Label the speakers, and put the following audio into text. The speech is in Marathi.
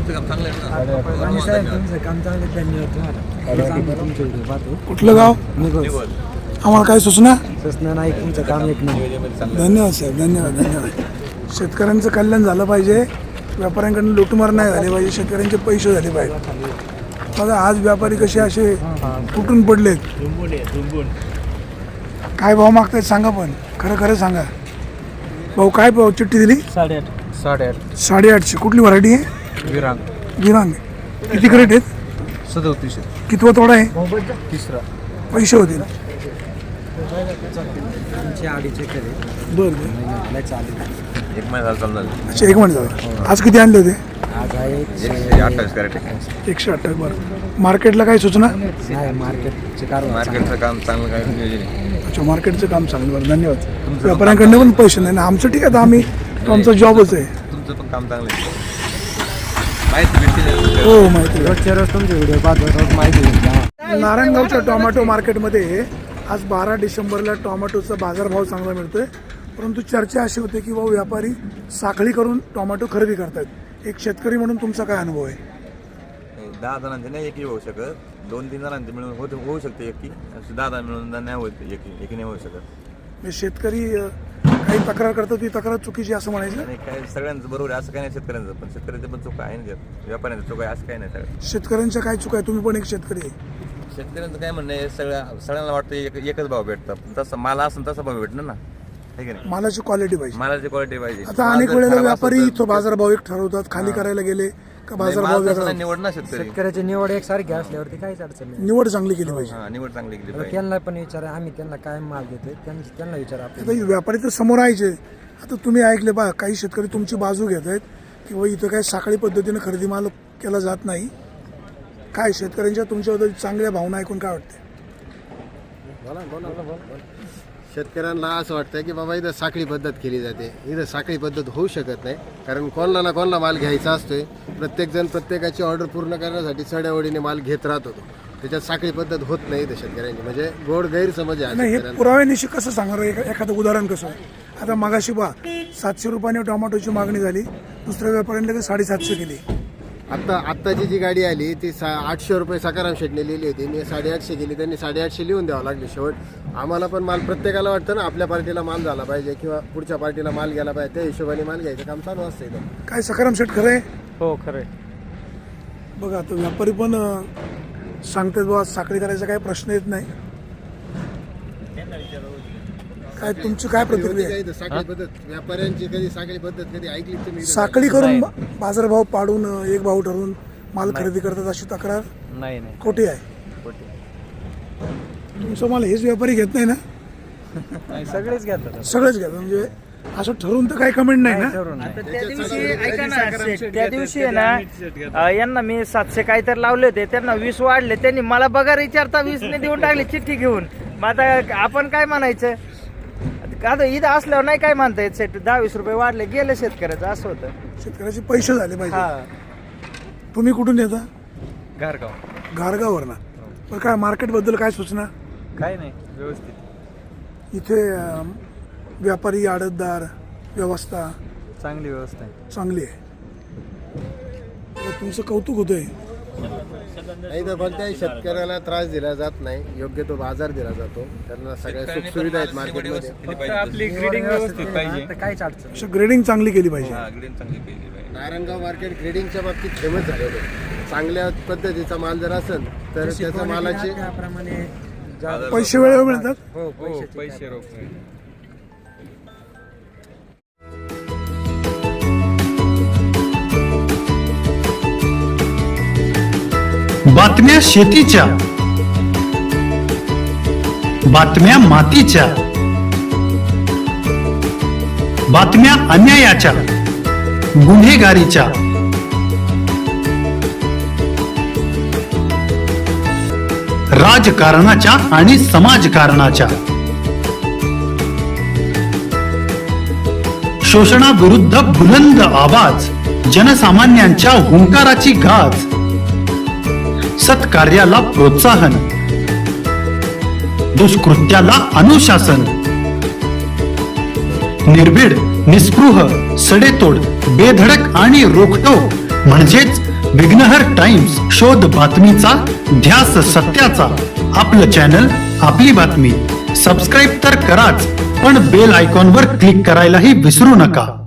Speaker 1: तुमचं काम चांगलं आहे ना.
Speaker 2: तुमचं काम चांगलं, धन्यवाद तुम्हाला. तुमचे व्हिडिओ पाहतो.
Speaker 3: कुठलं गाव?
Speaker 1: निवड.
Speaker 3: आम्हाला काय सूचना?
Speaker 2: सूचना नाही, तुमचं काम एक नाही.
Speaker 3: धन्यवाद साहेब, धन्यवाद. शेतकऱ्यांचं कल्याण झालं पाहिजे, व्यापाऱ्यांकडून लुटमार नाही झाले पाहिजे, शेतकऱ्यांचे पैसे झाले पाहिजे. बघा आज व्यापारी कसे असे तुटून पडलेत. काय भाव मागतायत सांगा, पण खरं खरं सांगा भाऊ. काय भाव चिठ्ठी दिली?
Speaker 2: 8.5.
Speaker 3: 850. कुठली व्हरायटी आहे? विरांग. किती क्रेट आहेत?
Speaker 2: 37.
Speaker 3: कितवा तोडा आहे?
Speaker 2: तिसरा.
Speaker 3: पैसे होतील?
Speaker 2: तुमचे अडीचे केले.
Speaker 3: बरं.
Speaker 1: एक महिना चालणार.
Speaker 3: अच्छा, एक मिनिट झालं. आज किती आणले होते?
Speaker 2: आज आहे
Speaker 1: 128 कॅरेट.
Speaker 3: 128. बरं. मार्केटला काय सूचना?
Speaker 2: नाही, मार्केटचे कारभार
Speaker 1: मार्केटचं काम चांगलं काय नियोजन आहे.
Speaker 3: अच्छा, मार्केटचं काम चांगलं. बरं, धन्यवाद. व्यापाऱ्यांकडनं पण पैसे नाही ना, आमचं ठीक आहे. आता आम्ही आमचा जॉबच आहे.
Speaker 1: तुमचं पण काम चांगलं आहे. माहिती भेटते.
Speaker 3: हो, माहिती आहे.
Speaker 2: रोजच्या रोज तुमचे व्हिडिओ पाहतो, रोज माहिती घेऊन.
Speaker 3: नारायणगावच्या टोमॅटो मार्केटमध्ये आज 12 डिसेंबरला टोमॅटोचा बाजारभाव चांगला मिळतोय, परंतु चर्चा अशी होते की व्यापारी साखळी करून टोमॅटो खरेदी करतात. एक शेतकरी म्हणून तुमचा काय अनुभव आहे?
Speaker 1: 10 जणांचे नाही एकी होऊ शकत, 2-3 जणांचे मिळून होऊ शकते एकी. 10 जण मिळून नाही होत एकी नाही होऊ शकत.
Speaker 3: म्हणजे शेतकरी काही तक्रार करतात, ती तक्रार चुकीची असं म्हणायचं?
Speaker 1: आणि काय सगळ्यांचं बरोबर आहे असं काही नाही. शेतकऱ्यांचं पण शेतकऱ्याचं पण चुका आहे ना, व्यापाऱ्यांचं चुका आहे असं काही नाही. सगळं
Speaker 3: शेतकऱ्यांच्या काय चुका आहे? तुम्ही पण एक शेतकरी आहे.
Speaker 1: शेतकऱ्यांचं काय म्हणणं आहे, सगळ्यांना वाटतं एकच भाव भेटतात. तसं माल असेल तसा भाव भेटणार ना, आहे की नाही?
Speaker 3: मालाची क्वालिटी पाहिजे.
Speaker 1: मालाची क्वालिटी पाहिजे.
Speaker 3: आता अनेक वेळेला व्यापारी इथं बाजारभाव एक ठरवतात, खाली करायला गेले का बाजारभाव वेगळा.
Speaker 1: निवड ना शेतकरी.
Speaker 2: शेतकऱ्याची निवड एकसारखी असल्यावरती काहीच अडचण नाही.
Speaker 3: निवड चांगली केली पाहिजे.
Speaker 1: निवड चांगली केली पाहिजे.
Speaker 2: त्यांना पण विचारा, आम्ही त्यांना काय माल देतोय त्यांना विचारा.
Speaker 3: आता व्यापारी तर समोर यायचे. आता तुम्ही ऐकले बा, काही शेतकरी तुमची बाजू घेत आहेत किंवा इथं काय साखळी पद्धतीने खरेदी माल केला जात नाही. काय शेतकऱ्यांच्या तुमच्याबद्दल चांगल्या भावना ऐकून काय वाटते?
Speaker 4: शेतकऱ्यांना असं वाटतं की बाबा इथं साखळी पद्धत केली जाते. इथं साखळी पद्धत होऊ शकत नाही, कारण कोणाला ना कोणाला माल घ्यायचा असतोय. प्रत्येकजण प्रत्येकाची ऑर्डर पूर्ण करण्यासाठी चढ्यावडीने माल घेत राहत होतो. त्याच्यात साखळी पद्धत होत नाही इथं शेतकऱ्यांची. म्हणजे गोड गैरसमज आहे
Speaker 3: नाही, हे
Speaker 4: शेतकऱ्यांना.
Speaker 3: पुराव्यानिशी कसं सांगणार? एखादं उदाहरण कसं आहे? आता मागाशी बा 700 रुपयाने टोमॅटोची मागणी झाली, दुसऱ्या व्यापाऱ्यांनी 750 केली.
Speaker 4: आत्ताची जी गाडी आली ती 800 रुपये सकाराम शेटने लिहिली होती, मी 850 केली. त्यांनी 850 लिहून द्यावं लागले शेवट. आम्हाला पण माल, प्रत्येकाला वाटतं ना आपल्या पार्टीला माल झाला पाहिजे किंवा पुढच्या पार्टीला माल गेला पाहिजे, त्या हिशोबाने माल घ्यायचं काम चालू असतं इथं.
Speaker 3: काय सकाराम शेठ खरं आहे?
Speaker 2: हो, खरंय.
Speaker 3: बघा आता व्यापारी पण सांगतात बाबा साखळी करायचा काही प्रश्न येत नाही. काय तुमची काय प्रतिक्रिया आहे?
Speaker 4: इथं साखळी पद्धत व्यापाऱ्यांची कधी साखळी पद्धत कधी ऐकली तुम्ही?
Speaker 3: साखळी करून बाजारभाव पाडून एक भाव ठरवून माल खरेदी करतात अशी तक्रार
Speaker 2: नाही
Speaker 3: खोटी आहे. तुमचं माल हेच व्यापारी घेत नाही ना?
Speaker 2: सगळेच घेतात.
Speaker 3: सगळेच घेतात. म्हणजे असं ठरवून तर काही कमेंट नाही ना?
Speaker 5: त्या दिवशी ऐका ना सेठ, त्या दिवशी आहे ना यांना मी 700 काहीतरी लावले होते, त्यांना 20 वाढले. त्यांनी मला पगार विचारता 20 ने देऊन टाकले चिठ्ठी घेऊन. मग आता आपण काय म्हणायचं? आता इथं असल्यावर नाही काय म्हणता येत सेठ. 10-20 रुपये वाढले, गेले शेतकऱ्याचं. असं होतं.
Speaker 3: शेतकऱ्याचे पैसे झाले पाहिजे.
Speaker 5: हा,
Speaker 3: तुम्ही कुठून येता?
Speaker 5: घरगाव.
Speaker 3: घारगाववरनं. पण काय मार्केटबद्दल काय सूचना?
Speaker 5: काय नाही, व्यवस्थित
Speaker 3: इथे व्यापारी आडतदार व्यवस्था
Speaker 5: चांगली व्यवस्था आहे.
Speaker 3: चांगली आहे. तर तुमचं कौतुक होतंय.
Speaker 4: इथं कोणत्याही शेतकऱ्याला त्रास दिला जात नाही, योग्य तो बाजार दिला जातो. त्यांना सगळ्या सुखसुविधा आहेत मार्केटमध्ये.
Speaker 5: फक्त आपली ग्रेडिंग व्यवस्थित पाहिजे.
Speaker 2: काहीच अडचण
Speaker 3: अशा ग्रेडिंग चांगली केली पाहिजे.
Speaker 1: ग्रीन चांगली केली पाहिजे.
Speaker 4: नारायणगाव मार्केट ग्रेडिंगच्या बाबतीत फेमस झालेलं आहे. चांगल्या पद्धतीचा माल जर असेल तर त्याच्या मालाची
Speaker 2: त्याप्रमाणे
Speaker 3: पैसे वेळेवर मिळतात.
Speaker 2: हो,
Speaker 5: पैसे रोख
Speaker 6: बातम्या शेतीच्या, बातम्या मातीच्या, बातम्या अन्यायाच्या, गुन्हेगारीच्या, राजकारणाच्या आणि समाजकारणाच्या, शोषणाविरुद्ध बुलंद आवाज, जनसामान्यांच्या हुंकाराची गाज, सत्कार्याला प्रोत्साहन, दुष्कृत्याला अनुशासन, निर्भीड, निस्पृह, सडेतोड, बेधडक आणि रोखठोक म्हणजेच विघ्नहर टाइम्स, शोध बातमीचा, ध्यास सत्याचा. आपलं चॅनल, आपली बातमी. सबस्क्राईब तर कराच, पण बेल आयकॉनवर क्लिक करायलाही विसरू नका.